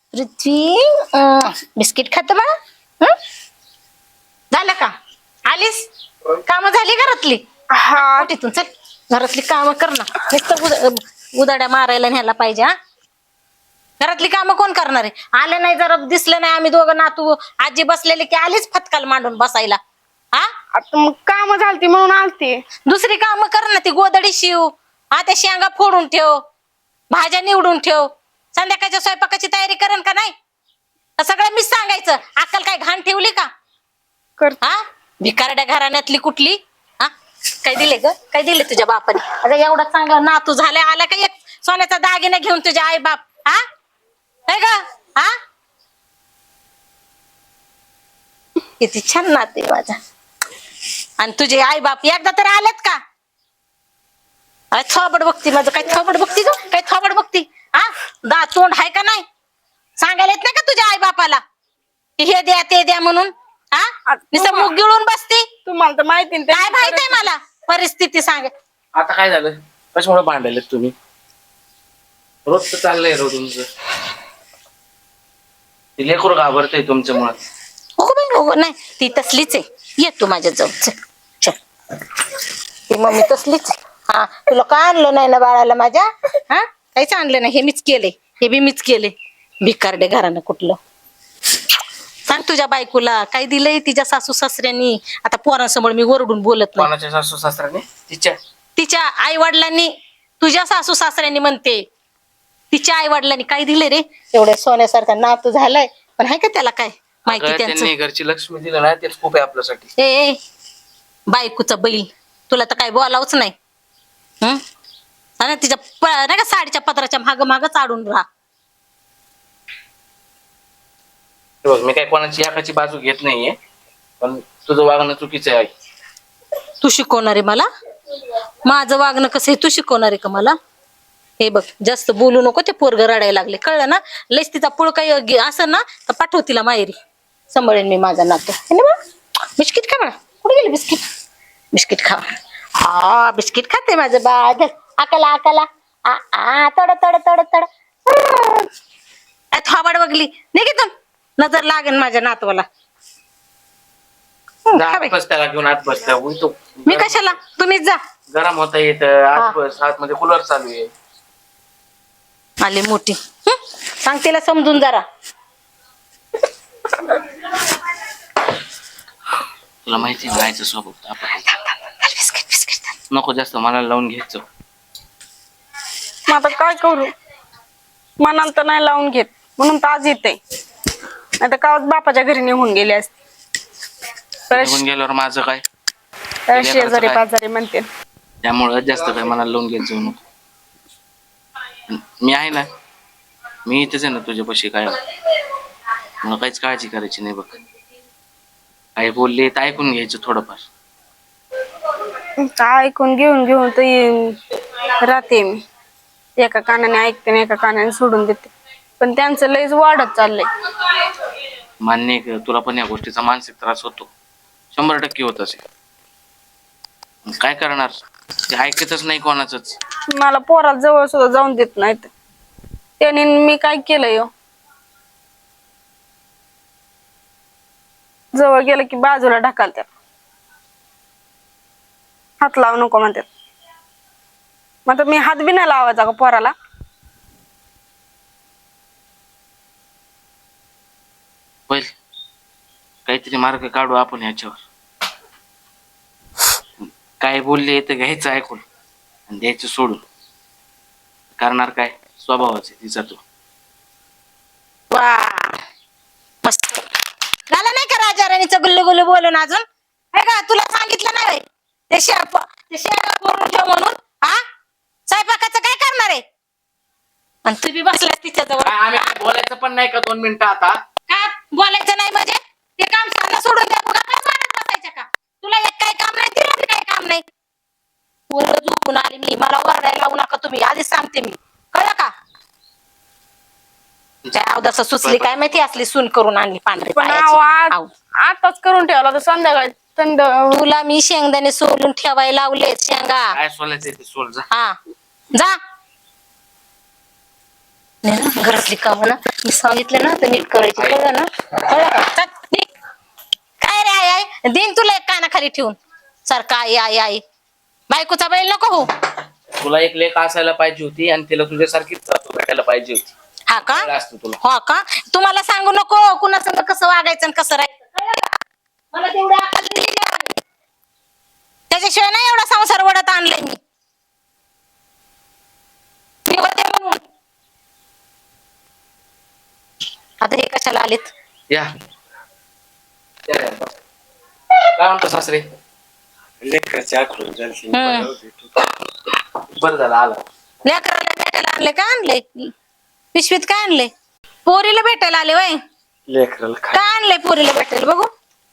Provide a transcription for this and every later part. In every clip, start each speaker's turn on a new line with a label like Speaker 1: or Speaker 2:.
Speaker 1: पृथ्वी biscuit खात बा. झालं का? आलीस? काम झाली घरातली?
Speaker 2: हा
Speaker 1: तिथून चल, घरातली काम कर ना. नुसतं उदाड्या मारायला न्यायला पाहिजे. हा, घरातली कामं कोण करणार आहे? आले नाही, जरा दिसलं नाही आम्ही दोघं नातू आजी बसलेले की आलीच फटकाल मांडून बसायला. हा,
Speaker 2: आता मग काम झालती म्हणून आलती.
Speaker 1: दुसरी कामं कर ना. ती गोदडी शिव, हा, त्या शेंगा फोडून ठेव, भाज्या निवडून ठेव. संध्याकाळच्या स्वयंपाकाची तयारी करेन का नाही? सगळं मीच सांगायचं? अक्कल काय घाण ठेवली का?
Speaker 2: कर.
Speaker 1: हा, भिकारड्या घराण्यातली कुठली? हा, काय दिले ग? काय दिले तुझ्या बापाने? अगं एवढा चांगला नातू झालाय, आला का एक सोन्याचा दागिना घेऊन तुझ्या आई बाप? हा, काय ग? हा, किती छान नाते माझा. आणि तुझे आई बाप एकदा तर आलेत का? अरे थोबड बघती माझं. काय थोबड बघती ग? काय थोबड बघती? हा, तोंड आहे का नाही? सांगायला येत नाही का तुझ्या आई बापाला की हे द्या ते द्या म्हणून? हा, नुसतं मुग गिळून बसती.
Speaker 2: तुम्हाला तर माहिती ना
Speaker 1: काय माहित आहे मला परिस्थिती? सांग.
Speaker 3: आता काय झालं? कशामुळे भांडायलेत तुम्ही? रोज तर चाललंय रोज तुमचं. ती लेकरू घाबरतंय तुमच्यामुळे.
Speaker 1: हो बाई हो, नाही ती तसलीच आहे. ये तू माझ्या जवळ चल. ती मम्मी तसलीच आहे. हा, तुला का आणलं नाही ना बाळाला माझ्या? हा, काहीच आणलं नाही. हे मीच केले, हे बी मीच केले. भिकारडे घरानं कुठलं. सांग तुझ्या बायकोला काय दिलंय तिच्या सासू सासऱ्यांनी. आता पोरांसमोर मी ओरडून बोलत नाही.
Speaker 3: कोणाच्या सासू सासऱ्याने? तिच्या.
Speaker 1: तिच्या आई वडिलांनी. तुझ्या सासू सासऱ्यांनी म्हणते. तिच्या आई वडिलांनी काय दिले रे? एवढ्या सोन्यासारखा नातू झालाय, पण आहे का त्याला काय माहिती?
Speaker 3: त्यांनी घरची लक्ष्मी दिलं ना, तेच खूप आहे आपल्यासाठी.
Speaker 1: ए बायकोचा बैल, तुला तर काय बोलावच नाही. आणि तिच्या नाही का साडीच्या पत्राच्या माग माग चाडून राहा.
Speaker 3: बघ, मी काय कोणाची एकाची बाजू घेत नाहीये, पण तुझं वागणं चुकीचं आहे.
Speaker 1: तू शिकवणार आहे मला? माझं वागणं कसं आहे तू शिकवणार आहे का मला? हे बघ, जास्त बोलू नको. ते पोरग रडायला लागले, कळलं ना? लईच तिचा पुळ काही असं ना तर पाठव तिला माहेरी. सांभाळेन मी माझा नातू. बिस्किट खा म्हणा. कुठे गेली बिस्किट? बिस्किट खा. हा, बिस्किट खाते माझं बाळ. आकाला आकाला तड तड तड तड. थोबाड बघली नाही की, नजर लागेल माझ्या नातवाला.
Speaker 3: त्याला घेऊन आत बसल्या.
Speaker 1: मी कशाला? तुम्हीच जा.
Speaker 3: गरम होता येत आत बस. आतमध्ये कूलर चालू आहे.
Speaker 1: आली मोठी. सांग तिला समजून जरा.
Speaker 3: तुला माहिती राहायचं सोबत आपण. नको जास्त मनाला लावून घ्यायचं.
Speaker 2: मग आता काय करू? मनाला तर नाही लावून घेत म्हणून तर आज येते. नाही तर कावच बापाच्या घरी निघून गेले असते.
Speaker 3: निघून गेल्यावर माझं काय?
Speaker 2: शेजारी पाजारी म्हणते.
Speaker 3: त्यामुळं जास्त काय मनाला लावून घ्यायचं नको. मी आहे ना, मी इथेच आहे ना तुझ्यापाशी. काय मला काहीच काळजी करायची नाही बघ. काही बोलले तर ऐकून घ्यायचं थोडंफार.
Speaker 2: ऐकून घेऊन घेऊन तर राहते मी. एका कानाने ऐकते आणि एका कानाने सोडून देते. पण त्यांचं लयच वाढत चाललंय.
Speaker 3: मान्य आहे का? तुला पण या गोष्टीचा मानसिक त्रास होतो. 100% होत असेल. काय करणार? ते ऐकतच नाही कोणाचंच.
Speaker 2: मला पोराला जवळ सुद्धा जाऊन देत नाहीत. त्याने मी काय केलंय? जवळ गेलं की बाजूला ढकलतात. हात लावू नको म्हणतात. मग मी हात बी नाही लावायचा का पोराला?
Speaker 3: होईल, काहीतरी मार्ग काढू आपण ह्याच्यावर. काय बोलले तर घ्यायचं ऐकून आणि द्यायचं सोडून. करणार काय? स्वभावाच आहे तिचा तो.
Speaker 1: वा, मस्त झालं नाही का राजा राणीचं गुल्लू गुल्लू बोलून अजून? हे का तुला सांगितलं नाही ते शेंगा करून ठेव म्हणून? हा, स्वयंपाकाचं काय करणार आहे? आणि तू बी बसलास तिच्याजवळ.
Speaker 3: आम्ही बोलायचं पण नाही का 2 मिनिटं आता?
Speaker 1: का बोलायचं नाही म्हणजे? ते काम साधं सोडून द्या. बसायचं का? तुला एक काही काम नाही, तिला बी काही काम नाही. पूर्ण झोपून आली मी. मला ओरडायला लावू नका तुम्ही, आधीच सांगते मी. कळलं का? काय अवदासा सुचली काय माहिती, असली सून करून आणली पांढरी
Speaker 2: पण
Speaker 1: पायाची.
Speaker 2: आताच करून ठेवला तर संध्याकाळी थंड.
Speaker 1: तुला मी शेंगदाणे सोलून ठेवायला लावले. शेंगा
Speaker 3: काय सोलायचं ते सोल जा.
Speaker 1: हा, जा. नाही ना, घरातली कामं ना मी सांगितलं ना तर नीट करायची. कळलं ना? कळलं का? चल, निघ. काय रे आई आई देईन तुला एक कानाखाली ठेवून सारखा आई आई आई. बायकोचा बैल नको हो.
Speaker 3: तुला एक लेख असायला पाहिजे होती आणि तिला तुझ्यासारखीच सासू भेटायला पाहिजे होती.
Speaker 1: हा का?
Speaker 3: कळलं असतं तुला.
Speaker 1: हो का? तुम्हाला सांगू नको कुणासंग कसं वागायचं आणि कसं राहायचं. कळलं का? मला तेवढं अक्कल दिली नाही. त्याच्याशिवाय नाही एवढा संसार वडत आणलाय मी. मी होते म्हणून. आता हे कशाला आलेत?
Speaker 3: या काय म्हणतो सासरे?
Speaker 4: लेकराची आठवण झाली.
Speaker 3: बरं झालं आला.
Speaker 1: लेकराला भेटायला आणले का? आणले पिशवीत काय आणले? पोरीला भेटायला आले वय?
Speaker 4: लेकराला
Speaker 1: काय आणलंय पोरीला भेटायला बघू?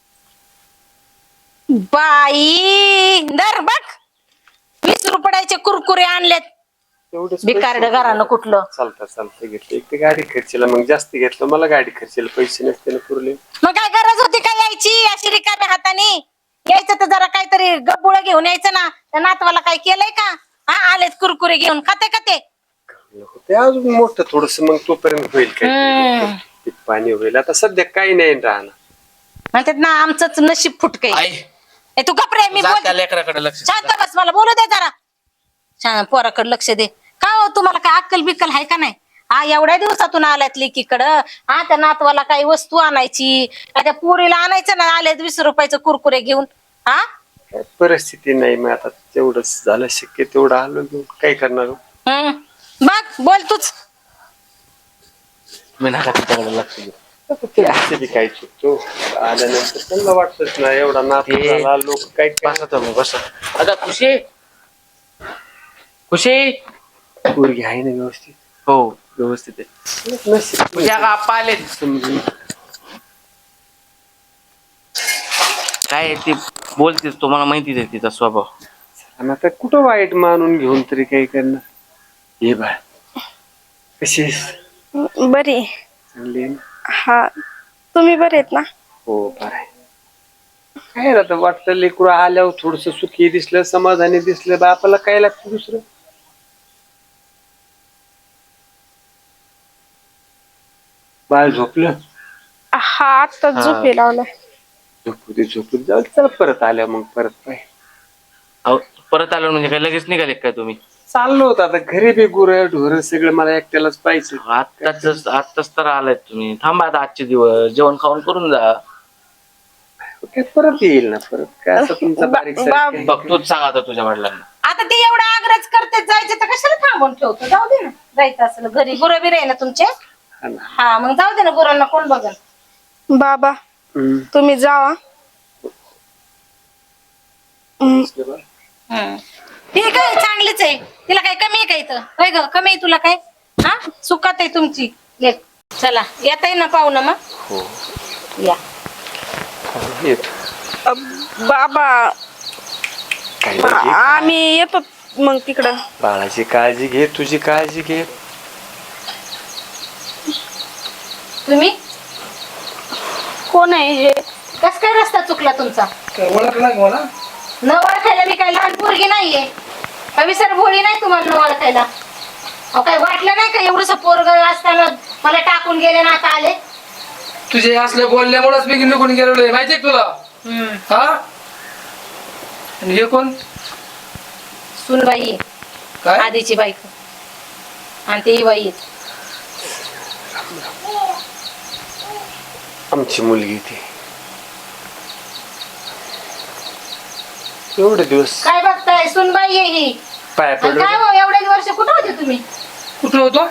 Speaker 1: बाई दर बघ 20 रुपयाचे कुरकुरे आणलेत. बिकारड घरानं कुठलं.
Speaker 4: चालतं घेतलं. एक तर गाडी खर्चीला मग जास्त घेतलं. मला गाडी खर्चीला पैसे नसते ना पुरले.
Speaker 1: मग काय गरज होती काय यायची अशी रिकाम्या हाताने? यायचं तर जरा काहीतरी गब्बुळ घेऊन यायचं ना. त्या नातवाला काय केलंय का? हा आलेत कुरकुरे घेऊन खाते का ते?
Speaker 4: ते अजून मोठं थोडस मग तोपर्यंत होईल काय पीक पाणी होईल. आता सध्या काही नाही राहणार.
Speaker 1: म्हणतात ना आमचंच नशीब फुटकय.
Speaker 3: आई
Speaker 1: तू गपरे मी
Speaker 3: जा
Speaker 1: बोल.
Speaker 3: त्या लेकराकडे लक्ष दे.
Speaker 1: शांत बस मला बोलू दे जरा. छान पोराकडे लक्ष दे. का हो तुम्हाला काय अक्कल बिक्कल आहे का नाही? हा एवढ्या दिवसातून आल्यात लेकीकडं. हा त्या नातवाला काही वस्तू आणायची का त्या पोरीला आणायचं ना आल्यात 20 रुपयाचं कुरकुरे घेऊन. हा
Speaker 4: काय परिस्थिती नाही. मग आता तेवढंच झालं शक्य तेवढं आलो घेऊन. काय करणार?
Speaker 1: बघ बोल तूच.
Speaker 3: मी नका तिच्याकडे लक्ष दे.
Speaker 4: ते बी काय चुकतो आल्यानंतर त्यांना वाटतच ना एवढा नातू झाला. लोक काय
Speaker 3: बसा तुम्ही बसा. आता खुशी खुशी
Speaker 4: पोरगी आहे ना व्यवस्थित.
Speaker 3: हो
Speaker 4: व्यवस्थित आहे. नशीब
Speaker 3: तुझ्या का आप्पा आले
Speaker 4: समजून.
Speaker 3: काय ती बोलतेस तुम्हाला माहितीच आहे तिचा स्वभाव.
Speaker 4: आणि आता कुठं वाईट मानून घेऊन तरी काही करणार. हे बाळ कशी आहेस?
Speaker 2: बरी.
Speaker 4: चांगली आहे ना?
Speaker 2: हा तुम्ही बरे आहेत ना?
Speaker 4: हो बरं आहे. काय रे आता वाटतं लेकरू आल्यावर थोडस सुखी दिसलं समाधानी दिसलं बापाला काय लागतं दुसरं. बाळ झोपलं?
Speaker 2: हा आता झोपे लावलाय.
Speaker 4: झोपू दे जाऊ दे. चला परत आल्या मग परत पाय.
Speaker 3: अहो, परत आलो म्हणजे काय लगेच निघाले काय तुम्ही?
Speaker 4: चाललो होतं आता घरी बी गुरं ढोरं सगळं मला एकट्यालाच पाहिजे.
Speaker 3: आत्ताच तर आलाय तुम्ही. थांबा आता आजचे दिवस जेवण खाऊन करून जा.
Speaker 4: काय परत येईल ना परत. काय असं तुमचा बारीक सारीक
Speaker 3: बघ तूच सांग आता तुझ्या वडिलांना.
Speaker 1: आता ते एवढा आग्रह करते जायचे तर कशाला थांबून ठेवतो? जाऊ दे ना. जायचं असेल घरी गुरं बिरे आहे ना तुमचे.
Speaker 4: हा ना.
Speaker 1: हा मग जाऊ दे ना. गुरांना कोण बघल?
Speaker 2: बाबा
Speaker 4: हम्म.
Speaker 2: तुम्ही जावा.
Speaker 1: ठीक आहे चांगलीच आहे. तिला काय कमी आहे का इथं? काय ग कमी आहे तुला काय? हा सुखात आहे तुमची लेक. चला येता ना पाहुणं मग.
Speaker 4: हो
Speaker 1: या
Speaker 4: येतो.
Speaker 2: बाबा
Speaker 4: काय नाही,
Speaker 2: आम्ही येतो मग तिकडं.
Speaker 4: बाळाची काळजी घे तुझी काळजी घे.
Speaker 1: तुम्ही
Speaker 2: कोण आहे हे?
Speaker 1: कस काय रस्ता चुकला तुमचा?
Speaker 4: ओळखला मला?
Speaker 1: न ओळखायला मी काय लहान पोरगी नाहीये. विसर भोळी नाही तुम्हाला न ओळखायला. अहो काय वाटलं नाही का एवढस पोरग असताना मला टाकून गेले ना आता आले?
Speaker 5: तुझे असले बोलल्यामुळेच मी निघून गेलेलो माहितीये तुला. हा आणि हे कोण?
Speaker 1: सुनबाई आहे.
Speaker 5: काय
Speaker 1: आधीची बायको आणि ती बाई आहे.
Speaker 4: आमची मुलगी ती. एवढे दिवस
Speaker 1: काय बघताय? सुनबाई आहे ही.
Speaker 4: पाया
Speaker 1: आणि
Speaker 4: पडलो.
Speaker 1: काय हो एवढे वर्ष कुठं होते तुम्ही?
Speaker 5: कुठं होतो?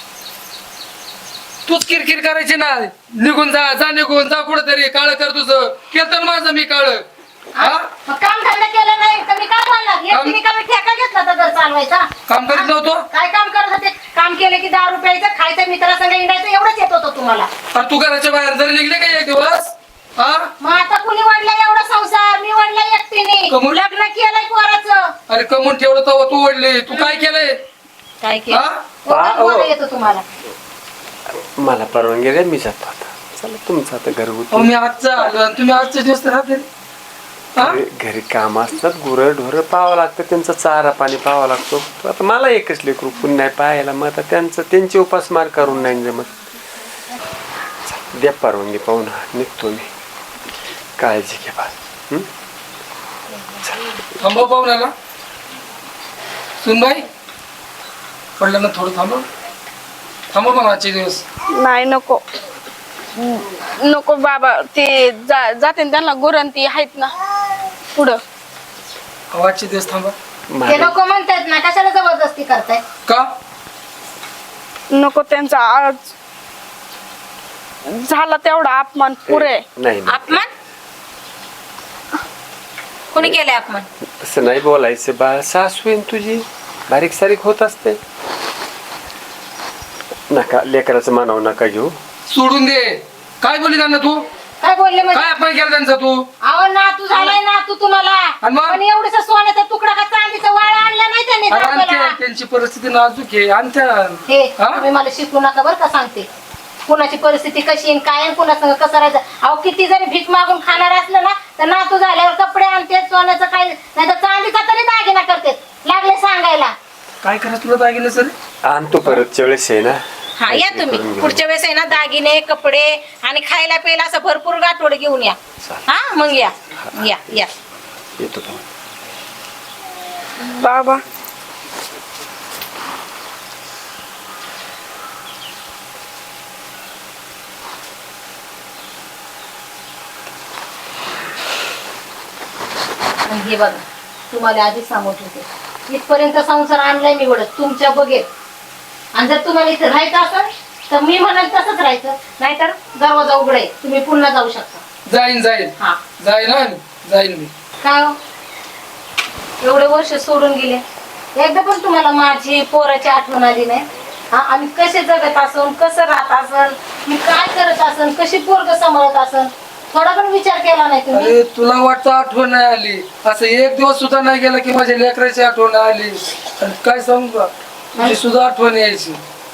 Speaker 5: तूच किरकिर करायची ना. निघून जा निघून जा कुठेतरी. काळ कर तुझं. केलं माझं मी काळ. हा
Speaker 1: मग काम धंदा केलं नाही तर मी काय बोलणार? एकटीने का मी ठेका घेतला होता घर चालवायचा?
Speaker 5: काम करीत नव्हतो.
Speaker 1: काय काम करत होते? काम केलं की 10 रुपयाचं खायचं मित्रासंग इंडायचं एवढंच येत होतं तुम्हाला.
Speaker 5: अरे तू घराच्या बाहेर जरी निघले का एक दिवस? हा
Speaker 1: मग आता कुणी वाढला एवढा संसार? मी वाढला एकटीने.
Speaker 5: कमून?
Speaker 1: लग्न केलंय पोराचं.
Speaker 5: अरे कमून ठेवलं तेव्हा तू ओढली. तू काय केलंय?
Speaker 1: काय
Speaker 5: हा?
Speaker 1: केलं येतो तुम्हाला?
Speaker 4: मला परवानगी द्या मी जातो आता. चला तुमचं आता घरगुती.
Speaker 5: मी आजचा आलो आणि तुम्ही आजच्या दिवस राहते. हा
Speaker 4: घरी काम असतात, गुरं ढोरं पाहावं लागतं, त्यांचा चारा पाणी पाहावा लागतो. आता मला एकच लेकरू पुन्हा नाही पाहायला, मग आता त्यांची उपासमार करून नाही जमत. द्या परवानगी पाहून निघतो मी. काळजी घे बा.
Speaker 5: थांबव पाहुण्याला. सुनबाई पडलं ना थोडं थांबव. थांबव मग आजचे दिवस.
Speaker 2: नाही नको नको बाबा, ते जाते ना त्यांना गुरंती आहेत ना पुढं.
Speaker 5: आजचे दिवस थांबा.
Speaker 1: ते नको म्हणतायत ना, कशाला जबरदस्ती करताय?
Speaker 5: का
Speaker 2: नको, त्यांचा आज झाला तेवढा अपमान पुरे.
Speaker 4: नाही
Speaker 1: अपमान कोणी केलंय अपमान?
Speaker 4: तसं नाही बोलायचं बा. सासू आहे तुझी, बारीक सारीक होत असते. नका लेकराचं मानावं नका घेऊ.
Speaker 5: सोडून दे. काय बोलली त्यांना तू?
Speaker 1: काय बोलले म्हणजे?
Speaker 5: काय अपमान केला त्यांचा तू?
Speaker 1: अहो नातू झालाय नातू तुम्हाला.
Speaker 5: आणि मग?
Speaker 1: पण एवढंसं सोन्याचा तुकडा का चांदीचा वाळा आणला नाही त्यांनी
Speaker 5: अरे
Speaker 1: दाखवायला.
Speaker 5: आणते, त्यांची परिस्थिती नाजूक आहे. आणत्या.
Speaker 1: हे
Speaker 5: हा?
Speaker 1: तुम्ही मला शिकू नका बरं का सांगते. कुणाची परिस्थिती कशी आहे काय कुणासंग कसं राहायचं. अहो किती जरी भीक मागून खाणार असलं ना तर नातू झाल्यावर कपडे आणते, सोन्याचं काय नाही तर चांदीचा तरी दागिना करते. लागले सांगायला.
Speaker 5: काय करायचं तुला दागिने सर?
Speaker 4: आणतो परत वेळेस आहे ना.
Speaker 1: हा या तुम्ही पुढच्या वेळेस आहे ना दागिने कपडे आणि खायला प्यायला असं भरपूर गाठोड घेऊन या. हा मग या या या.
Speaker 4: येतो तो.
Speaker 2: बाबा
Speaker 1: आणि हे बघा तुम्हाला आधी सांगत होते इथपर्यंत संसार आणलाय मी वडत तुमच्या बघेल. आणि जर तुम्हाला इथे राहायचं असेल तर मी म्हणाल तसंच राहायचं, नाहीतर दरवाजा उघडे तुम्ही पुन्हा जाऊ शकता.
Speaker 5: जाईन जाईन
Speaker 1: हा
Speaker 5: जाईन हा, जाईन मी.
Speaker 1: काय हो? एवढे वर्ष सोडून गेले, एकदा पण तुम्हाला माझी पोराची आठवण आली नाही? हा आम्ही कसे जगत असन, कसं राहत असन, मी काय करत असन, कशी पोरग सांभाळत असन, थोडा पण विचार केला नाही तुम्ही?
Speaker 5: अरे तुला वाटतं आठवण नाही आली? असं एक दिवस सुद्धा नाही गेला की माझ्या लेकराची आठवण आली. आणि काय सांगू का, तुझी सुद्धा आठवण यायची.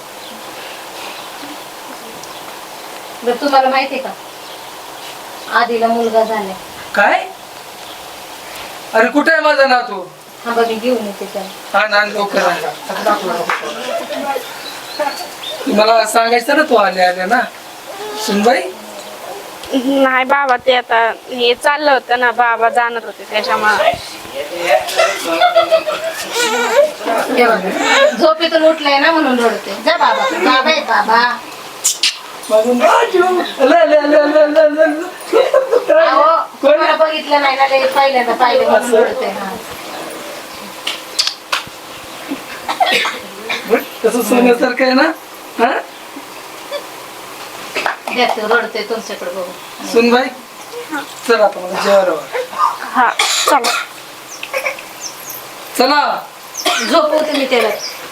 Speaker 1: बरं तुम्हाला माहितीये का आधीला मुलगा झालाय?
Speaker 5: काय? अरे कुठे आहे माझा नातू?
Speaker 1: हा बघ मी घेऊन येते त्याला.
Speaker 5: हा ना लवकर आण. मला सांगायचं ना तू आल्या आल्या ना. सुनबाई
Speaker 2: नाही बाबा, ते आता हे चाललं होतं ना, बाबा जाणार होते त्याच्यामुळे.
Speaker 1: हे बघ, झोपेतून उठलाय ना म्हणून रडते. जा बाबा बाबा आहे बाबा.
Speaker 5: माझं नातू.
Speaker 1: अहो कोणाला बघितलं नाही ना ते पहिल्यांदा पाहिलं म्हणून रडते. हा
Speaker 5: कसं सोन्यासारखं आहे ना. हा
Speaker 1: देते रडते तुमच्याकडे बघून.
Speaker 5: सुनबाई चल आता मला जेवायला वाढ.
Speaker 2: हा चला.
Speaker 5: चला
Speaker 1: झोपवते मी त्याला.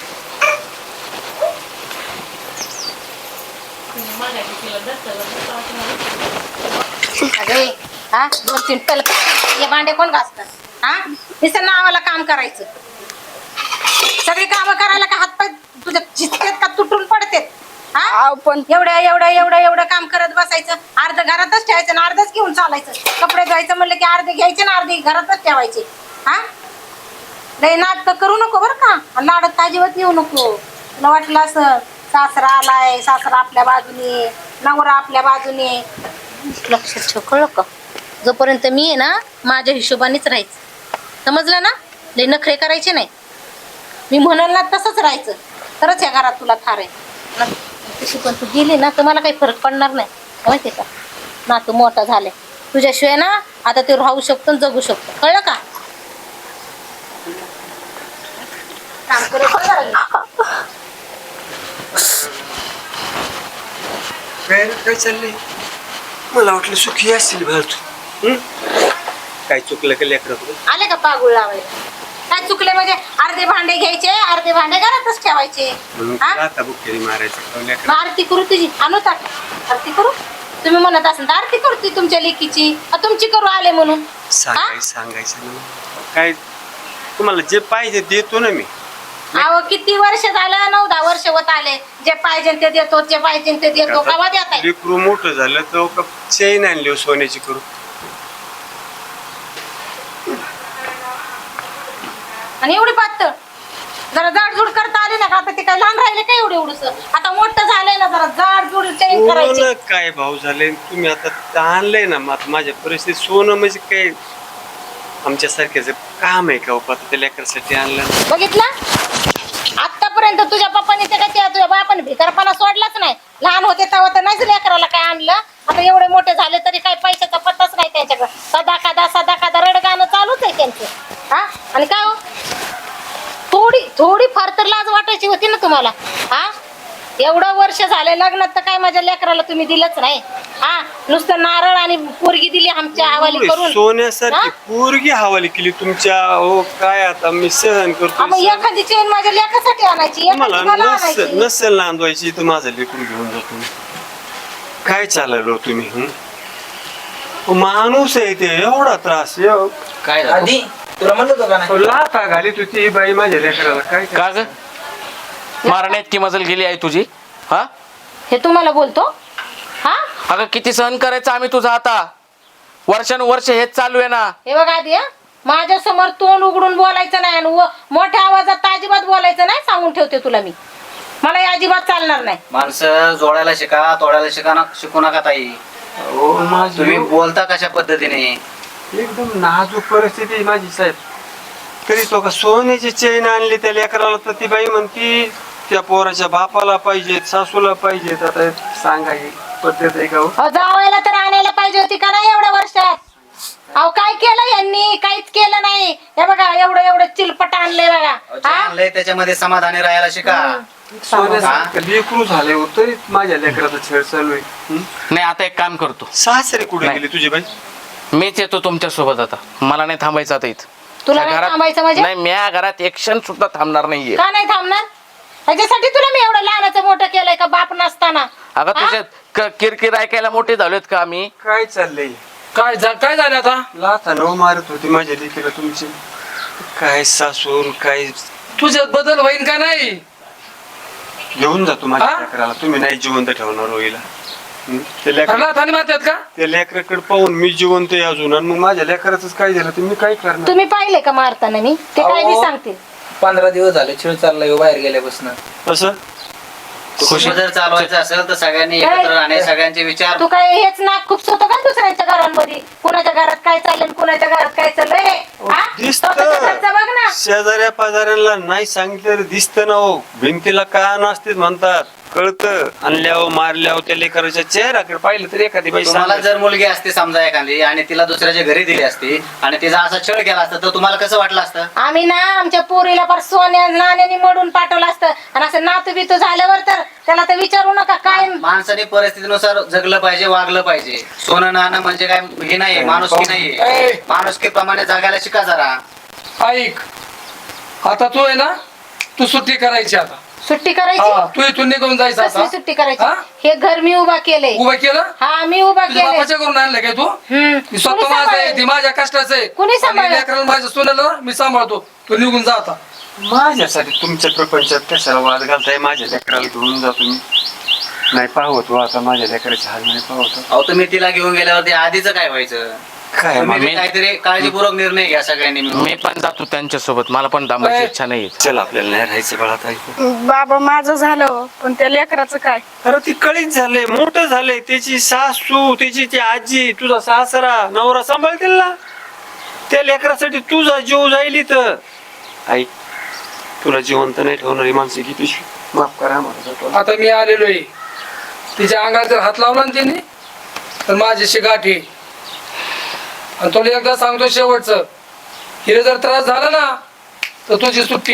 Speaker 1: अगे हा 2-3 पल हे भांडे कोण घासतात? हा नुसतं नावाला काम करायचं. सगळी कामं करायला का हातपाय तुझ्या झिजकेत का तुटून पडतेत? हा
Speaker 2: आव पण
Speaker 1: एवढं काम करत बसायचं. अर्ध घरातच ठेवायचं आणि अर्धच घेऊन चालायचं. कपडे धुवायचं म्हणलं की अर्धे घ्यायचे ना अर्धे घरातच ठेवायचे. हा लय नाटक करू नको बरं का. आणि लाडत अजिबात येऊ नको. तुला वाटलं असं सासरा आलाय, सासरा आपल्या बाजूने, नवरा आपल्या बाजूने. लक्षात ठेव कळलं का. जोपर्यंत मी आहे ना माझ्या हिशोबानेच राहायचं, समजलं ना. लय नखरे करायचे नाही. मी म्हणाल ना तसंच राहायचं, तरच या घरात तुला थार आहे. तशी पण तू गेली ना तर मला काही फरक पडणार नाही माहितीये का. ना तू मोठा झालाय तुझ्याशिवाय ना आता ते राहू शकतो जगू शकतो, कळलं का. काम करत
Speaker 4: काय चाललंय? मला वाटलं सुखी असेल भाऊ तू. काय चुकलं का लेकराकडून?
Speaker 1: आले का पागुळ लावायला. काय चुकले म्हणजे अर्धे भांडे घ्यायचे अर्धे भांडे घरातच ठेवायचे.
Speaker 4: म्हणून
Speaker 1: हा?
Speaker 4: तुला आता बुक्केरी मारायचं
Speaker 1: मग आरती करू तुझी, आणू ताट आरती करू. तुम्ही म्हणत असाल तर आरती करते तुमच्या लेकीची, तुमची करू आले म्हणून.
Speaker 4: सांगायचं ना. काय तुम्हाला जे पाहिजे देतो ना मी.
Speaker 1: अहो किती वर्ष झालं, 9-10 वर्ष होत आले. जे पाहिजे ते देतो, जे पाहिजे ते देतो. कवा देत आहे?
Speaker 4: लेकरू मोठं झालं तर चेन आणली सोन्याची करू.
Speaker 1: आणि एवढी पातळ जरा जाडजूड करता आली ना का आता ते काय लहान राहिले काय एवढं एवढंच आता मोठं झालंय ना जरा जाडजूड चेंज करायची
Speaker 4: सोनं काय भाव झाले तुम्ही आता आणलंय ना मग माझ्या परिस्थिती सोनं म्हणजे काय आमच्यासारख्याच काम आहे का आता त्या लेकरासाठी आणलं ना.
Speaker 1: बघितलं आतापर्यंत तुझ्या पप्पाने ते काय तुझ्या बापाने भिकारपणा सोडलाच नाही लहान होते तेव्हा तर नाहीच लेकराला काय आणलं आता एवढे मोठे झाले तरी काय पैशाचा पत्ताच नाही त्यांच्याकडे सदा कादा रडगाणं चालूच आहे त्यांचं हा आणि काय हो थोडी फार तर लाज वाटायची होती ना तुम्हाला हा एवढं वर्ष झाले लग्नात तर काय माझ्या लेकराला तुम्ही दिलंच नाही हा नुसतं नारळ आणि पोरगी दिली आमच्या हवाली करून
Speaker 4: सोन्यासारखी
Speaker 1: हा?
Speaker 4: पोरगी हवाली केली तुमच्या हो काय आता मी सहन करतो
Speaker 1: मग एखादी चेन माझ्या लेकासाठी आणायची
Speaker 4: मला
Speaker 1: एखादी मला आणायची
Speaker 4: नसेल नांदवायची तर माझं लेकरून घेऊन जातो काय चाललो तुम्ही माणूस आहे ते एवढा त्रास
Speaker 3: काय झालं?
Speaker 6: आधी तुला म्हणलं होतं का नाही
Speaker 4: लाथा घालीत होती ही बाई माझ्या लेकराला काय
Speaker 3: का ग मारण्यात की मजल गेली आहे तुझी हा
Speaker 1: हे तुम्हाला बोलतो हा
Speaker 3: अगं किती सहन करायचं आम्ही तुझा आता वर्षानुवर्ष हेच चालू आहे ना.
Speaker 1: हे बघा आधी माझ्या समोर तोंड उघडून बोलायचं नाही आणि मोठ्या आवाजात तर अजिबात बोलायचं नाही सांगून ठेवते तुला मी मला हे अजिबात चालणार नाही
Speaker 6: माणसं जोडायला शिका तोडायला शिकू नका ताई
Speaker 4: हो माझी
Speaker 6: तुम्ही बोलता कशा पद्धतीने
Speaker 4: एकदम नाजूक परिस्थिती आहे माझी साहेब तरी तो का सोन्याची चेन आणली त्या लेकराला तर ती बाई म्हणती त्या पोराच्या बापाला पाहिजेत सासूला पाहिजेत आता सांगा ही पद्धत आहे का हो?
Speaker 1: जावायला तर आणायला पाहिजे होती का नाही एवढ्या वर्षात अहो काय केलं यांनी काहीच केलं नाही हे बघा एवढं चिलपट आणलंय बघा हा
Speaker 6: आणलंय त्याच्यामध्ये समाधानी राहायला शिका
Speaker 4: सोन्यासारखं लेकरू झाले हो तरी माझ्या लेकराचा छेड चालू आहे
Speaker 3: नाही आता एक काम करतो
Speaker 4: सासरे कुठे
Speaker 3: नाही.
Speaker 4: गेले तुझी बाई
Speaker 3: मीच येतो तुमच्या सोबत आता मला नाही थांबायचं आता इथं
Speaker 1: तुला
Speaker 3: त्या
Speaker 1: नाही
Speaker 3: घरात-
Speaker 1: थांबायचं म्हणजे
Speaker 3: नाही मी घरात एक क्षण सुद्धा थांबणार नाहीये
Speaker 1: का नाही थांबणार ह्याच्यासाठी तुला मी एवढं लहानाचं मोठं केलंय का बाप नसताना
Speaker 3: अगं तुझ्या किरकिर ऐकायला मोठे झालोत का आम्ही
Speaker 4: काय चाललंय
Speaker 5: काय झालं आता
Speaker 4: लाथा नव मारत होती माझ्या लेकीला तुमची काय सासून काय
Speaker 5: तुझ्यात बदल होईन का नाही
Speaker 4: घेऊन जातो माझ्या
Speaker 5: हा?
Speaker 4: लेकराला तुम्ही नाही जिवंत ठेवणार होईला त्या
Speaker 5: घरला थानी मारतात का
Speaker 4: लेकराकडे पाहून मी जिवंत आहे अजून आणि मग माझ्या लेकराच काय झालं तर मी काय करणार
Speaker 1: तुम्ही पाहिले का मारताना मी ते काय बी सांगते
Speaker 6: 15 दिवस झाले खेळ चाललाय बाहेर गेल्यापासून
Speaker 4: असं
Speaker 6: खुशी जर चालवायचं असेल तर सगळ्यांनी एकत्र राहणे सगळ्यांचे विचार
Speaker 1: तू काय हेच नाक खूप होतं का दुसऱ्यांच्या घरांमध्ये कुणाच्या घरात काय चाललंय कुणाच्या घरात काय चाललंय रे? हा?
Speaker 4: दिसत
Speaker 1: स्वतःच्या घरचं बघ ना
Speaker 4: शेजाऱ्या पाजाऱ्यांना नाही सांगितलं दिसत ना हो भिंतीला का नसते म्हणतात कळतं आणल्यावर मारल्यावर त्या लेकराच्या चेहऱ्याकडे पाहिलं तर एखादी बाई
Speaker 6: तुम्हाला
Speaker 4: सांगेल.
Speaker 6: जर मुलगी असते समजा एखादी आणि तिला दुसऱ्याच्या घरी दिली असती आणि तिचा असा छळ केला असता तर तुम्हाला कसं वाटलं असतं
Speaker 1: आम्ही ना आमच्या पोरीला फार सोन्या नाण्याने मडून पाठवलं असतं आणि असं नातू बितू झाल्यावर तर त्याला तर विचारू नका काय
Speaker 6: माणसाने परिस्थितीनुसार जगलं पाहिजे वागलं पाहिजे सोनं नाणं म्हणजे काय हे नाहीये माणुसकी नाहीये माणुसकी प्रमाणे जगायला शिका जरा
Speaker 5: ऐक आता तू आहे ना तू सुट्टी करायची आता
Speaker 1: सुट्टी करायची
Speaker 5: हा तू इथून निघून जायचं
Speaker 1: कसली
Speaker 5: आता
Speaker 1: सुट्टी करायची
Speaker 5: हा?
Speaker 1: हे घर मी उभा केलंय
Speaker 5: उभं केलं
Speaker 1: हा मी उभा
Speaker 5: तुझ्या
Speaker 1: केलंय
Speaker 5: बापाच्या करून आणलं काय तू
Speaker 1: हम्म.
Speaker 5: मी स्वतः
Speaker 1: कोणी
Speaker 5: माझं आहे
Speaker 1: सांभाळलं?
Speaker 5: ती माझ्या कष्टाचं आहे
Speaker 1: कोणी सांभाळलं?
Speaker 5: आणि लेकराला माझ्या सोन्याला मी सांभाळतो तू निघून जा आता
Speaker 4: माझ्यासाठी तुमच्या प्रपंचात कशाला वाद घालताय माझ्या लेकराला घेऊन जातो मी नाही पाहत हो आता माझ्या लेकराचे हाल नाही पाहत
Speaker 6: अहो तुम्ही तिला घेऊन गेल्यावरती आधीच काय व्हायचं
Speaker 4: काय
Speaker 6: तुम्ही
Speaker 3: मी-
Speaker 6: काहीतरी काळजीपूर्वक निर्णय घ्या सगळ्यांनी मिळून.
Speaker 3: मी पण जातो त्यांच्या सोबत मला पण थांबायची इच्छा नाही
Speaker 4: चल आपल्याला नाही राहायचं बाळात ऐकू
Speaker 2: बाबा माझं झालं पण त्या लेकराचं काय
Speaker 4: अरे ती कळीच झाले मोठं झालंय त्याची सासू त्याची ती आजी तुझा सासरा नवरा सांभाळतील ना त्या लेकरासाठी तुझा जीव जाईल तर आई तुला जिवंत नाही ठेवणारी माणसं की पिशवी माफ करा मला
Speaker 5: आता मी आलेलो आहे तिच्या अंगाला जर हात लावला ना तिने तर माझ्याशी गाठी आणि तुला एकदा सांगतो शेवटचं हिला जर त्रास झाला ना तर तुझी सुट्टी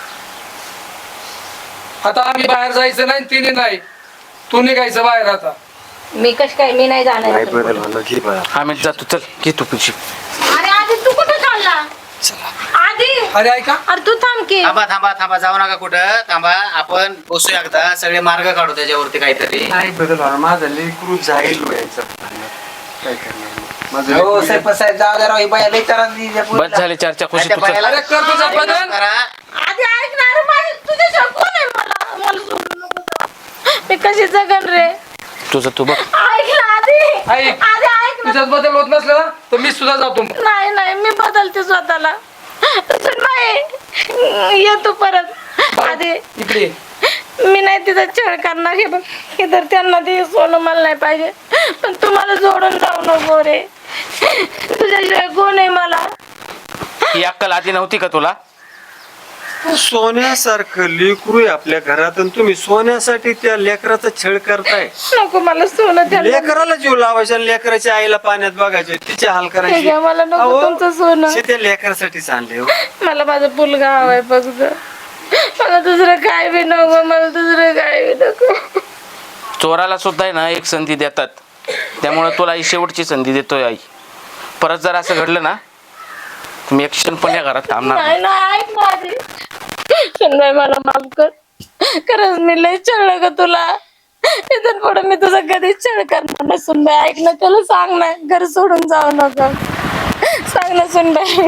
Speaker 5: आता आम्ही बाहेर जायचं नाही तिने नाही तू निघायचं बाहेर आता
Speaker 1: मी कश काय मी नाही जाणार
Speaker 4: नाही बदल म्हणलं घे बाळा
Speaker 3: आम्ही जातो चल घे तू पिशी
Speaker 1: अरे आधी तू कुठे चालला आधी
Speaker 5: अरे ऐका
Speaker 1: अरे तू थांब की
Speaker 6: थांबा थांबा थांबा जाऊ नका कुठं थांबा आपण बसू एकदा सगळे मार्ग काढू त्याच्यावरती काहीतरी
Speaker 4: नाही बदल व्हायला माझा लेकरू जाईल व्हायचं काय करणार माझं
Speaker 7: हो
Speaker 4: लेकरू
Speaker 7: साहेब साहेब जाऊ द्या राव, ही बाया लई त्रास दिली त्या
Speaker 3: बस
Speaker 7: पोरीला.
Speaker 3: झाली चर्चा खुशी
Speaker 6: त्या
Speaker 3: तू चल.
Speaker 6: बायाला-
Speaker 5: अरे कर तुझा बदल
Speaker 6: करा.
Speaker 1: आधी ऐकणार माझी तुझ्या कोण आहे मला सोडू नको जाऊ. मी कशी जगन रे
Speaker 3: तुझं तू बघ
Speaker 1: ऐक ना आधी
Speaker 5: ऐक.
Speaker 1: आधी ऐक ना
Speaker 5: तुझ्यात बदल होत नसला ना तर मी सुद्धा जातो मग.
Speaker 1: नाही मी बदलते स्वतःला
Speaker 2: नाही येतो परत आधी
Speaker 5: इकडे
Speaker 2: मी नाही तिचा छळ करणार हे बघ इधर त्यांना ते सोनं मला नाही पाहिजे पण तुम्हाला जोडून जाऊ नको रे तुझ्याशिवाय कोण आहे मला
Speaker 3: ही अक्कल आधी नव्हती का तुला?
Speaker 4: सोन्यासारखं लेकरू आहे आपल्या घरात आणि तुम्ही सोन्यासाठी त्या लेकराचा छळ करताय.
Speaker 2: नको मला सोनं द्या
Speaker 4: लेकराला जीव लावायचा आणि लेकराच्या आईला पाण्यात बघायचे तिचे हाल करायचे.
Speaker 2: हे घ्या, मला नको
Speaker 4: अहो,
Speaker 2: तुमचं सोनं.
Speaker 4: शे त्या लेकरासाठीच आणले हो.
Speaker 2: मला माझा मुलगा हवाय फक्त मला दुसरं काय बी नको मला दुसरं काय बी नको
Speaker 3: चोराला सुद्धा आहे ना एक संधी देतात, त्यामुळे तुला ही शेवटची संधी देतोय आई. परत जर असं घडलं ना तुम्ही एक क्षण पण या घरात थांबणार नाही.
Speaker 2: नाही नाही ऐक माझी सुनबाई मला माफ कर खरंच मी लय छळलं ग तुला इथून पुढे मी तुझा कधीच छळ करणार नाही सुनबाई ऐक ना त्याला सांग ना घर सोडून जाऊ नका सांग ना सुनबाई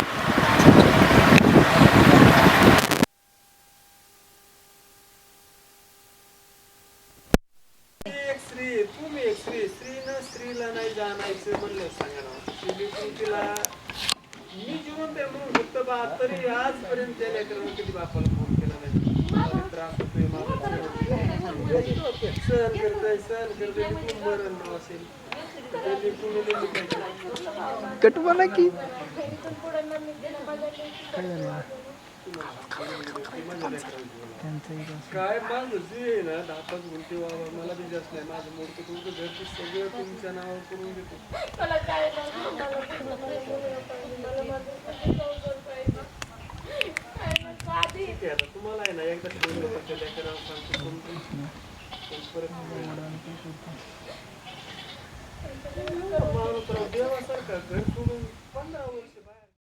Speaker 4: एक स्त्री तुम्ही एक स्त्रीनं स्त्रीला नाही जाणायचं म्हणलं सांगा ना. ती लेकरू तिला मी जिवंत आहे म्हणून फक्त तरी आजपर्यंत त्या लेकरानं कधी बापाला फोन केला नाही. मला त्रास होतोय मला सहन करतोय तू मरण नाव असेल त्या लेकरूने लई काय
Speaker 7: कटवाना की
Speaker 4: काय माझं जे आहे ना 10-5 गुंठे वावर मला बी जास्त नाही माझं मोठं तुमचं घरचं सगळं तुमच्या नावावर करून देतो.
Speaker 2: मला काय नको, मला तुझं पाहिजे, मला माझं संसार पाहिजे. काय नको आधी.
Speaker 4: ठीक आहे आता तुम्हाला आहे ना एकदा ठेवलं तर त्या लेकराला सांगतो पण परत माणूस राव देवासारखा घर सोडून 15 वर्ष